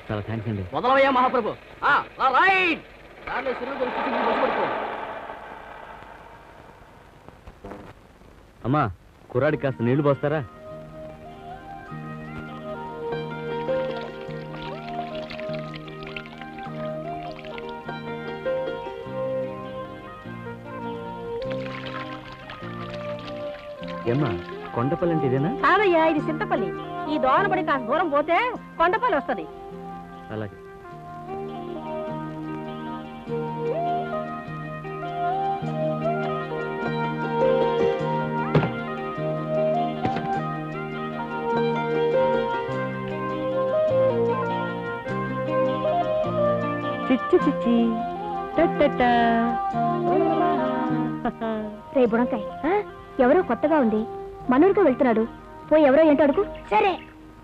చాలా థ్యాంక్స్ అండి. మొదలవయ్యా మహాప్రభు. రైట్. అమ్మా, కుర్రాడికి కాస్త నీళ్లు పోస్తారా? ఏమ్మా, కొండపల్లి అంటే ఇదేనా? కాదయ్యా, ఇది చింతపల్లి. ఈ దోవనబడి కాస్త దూరం పోతే కొండపల్లి వస్తుంది. అలాగే. చిచ్చి చిచ్చి రే బుడంకాయ్, ఎవరో కొత్తగా ఉంది, మనూరుగా వెళ్తున్నాడు. పోయి ఎవరో ఏంటో అడుగు. సరే.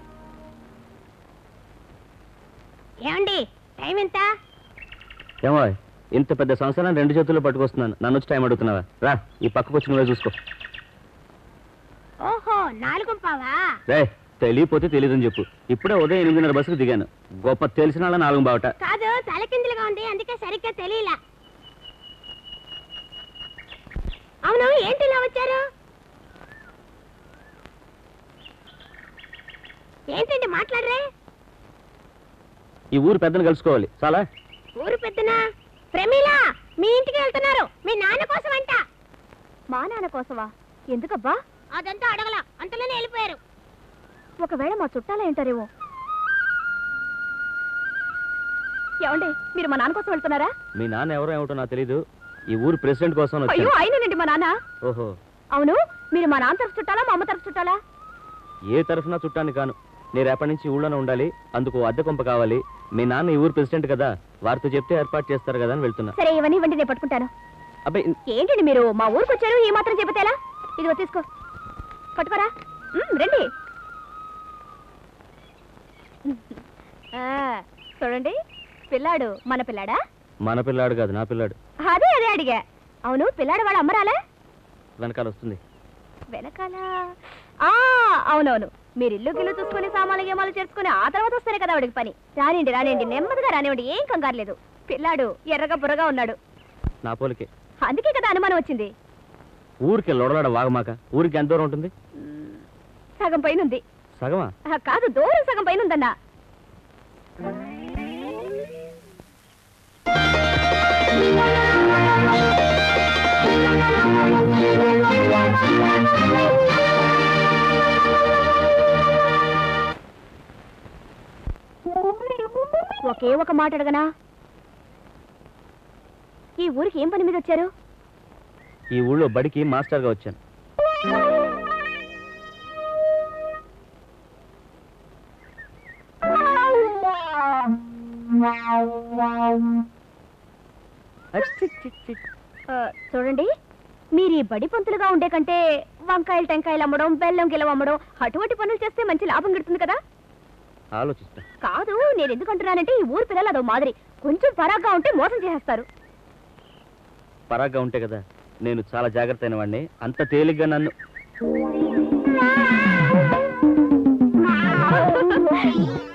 ఏమండి, టైం ఎంత? ఏమో, ఇంత పెద్ద సంవత్సరం 2 చేతుల్లో పట్టుకొస్తున్నాను. నన్ను వచ్చి టైం అడుగుతున్నావా? రా, ఈ పక్కకు వచ్చి నువ్వే చూసుకో. ఓహో, 4:15. రే, తెలియపోతే తెలియదని చెప్పు. ఇప్పుడే ఉదయం 8:30 బస్సుకు దిగాను. గొప్ప తెలిసిన వాళ్ళ 4:15. కాదు, తలకిందులుగా ఉంది, అందుకే సరిగ్గా తెలియలా. అవును, ఏంటి ఇలా వచ్చారు? ఏంటండి మాట్లాడరే? ఈ ఊరు పెద్దను కలుసుకోవాలి. చాలా. ఊరు పెద్దనా? ప్రమీల, మీ ఇంటికి వెళ్తున్నారు. మీ నాన్న కోసం అంట. మా నాన్న కోసమా? ఎందుకబ్బా? అదంతా అడగల, అంతలోనే వెళ్ళిపోయారు. ఒకవేళ మా చుట్టాలే ఉంటారేమో. ఏమండి, మీరు మా నాన్న కోసం వెళ్తున్నారా? మీ నాన్న ఎవరో ఏమిటో నాకు తెలీదు. ఈ ఊరు ప్రెసిడెంట్ కోసం. అయ్యో, అయినండి మా నాన్న. ఓహో. అవును, మీరు మా నాన్న తరఫు చుట్టాలా, మా అమ్మ తరఫు చుట్టాలా? ఏ తరఫున చుట్టాన్ని కాను. నేను రేపటి నుంచి ఊళ్ళోనే ఉండాలి. అందుకు అద్దె కొంప కావాలి. మీ నాన్న ఈ ఊరు ప్రెసిడెంట్ కదా, వారితో చెప్తే ఏర్పాటు చేస్తారు కదా అని వెళ్తున్నా. సరే, ఇవన్నీ ఇవ్వండి, నేను పట్టుకుంటాను. అబ్బాయి, ఏంటండి మీరు మా ఊరికి వచ్చారు, ఈ మాత్రం చెబితేలా? ఇదిగో తీసుకో, పట్టుకోరా. రండి. చూడండి, పిల్లాడు మన పిల్లాడా? మన పిల్లాడు కాదు, నా పిల్లాడు. అదే అదే అడిగా. అవును, పిల్లాడు వాళ్ళ అమ్మరాలే? వెనకాల వస్తుంది. వెనకాల? అవునవును. మీరు ఇల్లు గిల్లు చూసుకుని సామాన్లు గేమాలు చేర్చుకుని ఆ తర్వాత వస్తేనే కదా వాడికి పని. రానిండి రానిండి, నెమ్మదిగా రానివ్వండి, ఏం కంగారు లేదు. పిల్లాడు ఎర్రగా బుర్రగా ఉన్నాడు. నా పోలికే. అందుకే కదా అనుమానం వచ్చింది. ఊరికి లొడలాడ వాగమాక. ఊరికి ఎంత దూరం ఉంటుంది? సగం పైన ఉంది. సగమా? కాదు, దూరం సగం పైన ఉందన్నా. ఒకే ఒక మాట అడగనా? ఈ ఊరికి ఏం పని మీద వచ్చారు? ఈ ఊళ్ళో బడికి మాస్టర్గా వచ్చాను. చూడండి, మీరు ఈ బడి పంతులుగా ఉండే కంటే వంకాయలు టెంకాయలు అమ్మడం, బెల్లం గిలం అమ్మడం, అటువంటి పనులు చేస్తే మంచి లాభం గడుతుంది కదా. ఆలోచిస్తా. కాదు, నేను ఎందుకంటున్నానంటే ఈ ఊరు పిల్లలు అదో మాదిరి, కొంచెం పరాగ్గా ఉంటే మోసం చేసేస్తారు. పరాగ్గా ఉంటే కదా. నేను చాలా జాగ్రత్త అయిన వాడిని. అంత తేలిగ్గా నన్ను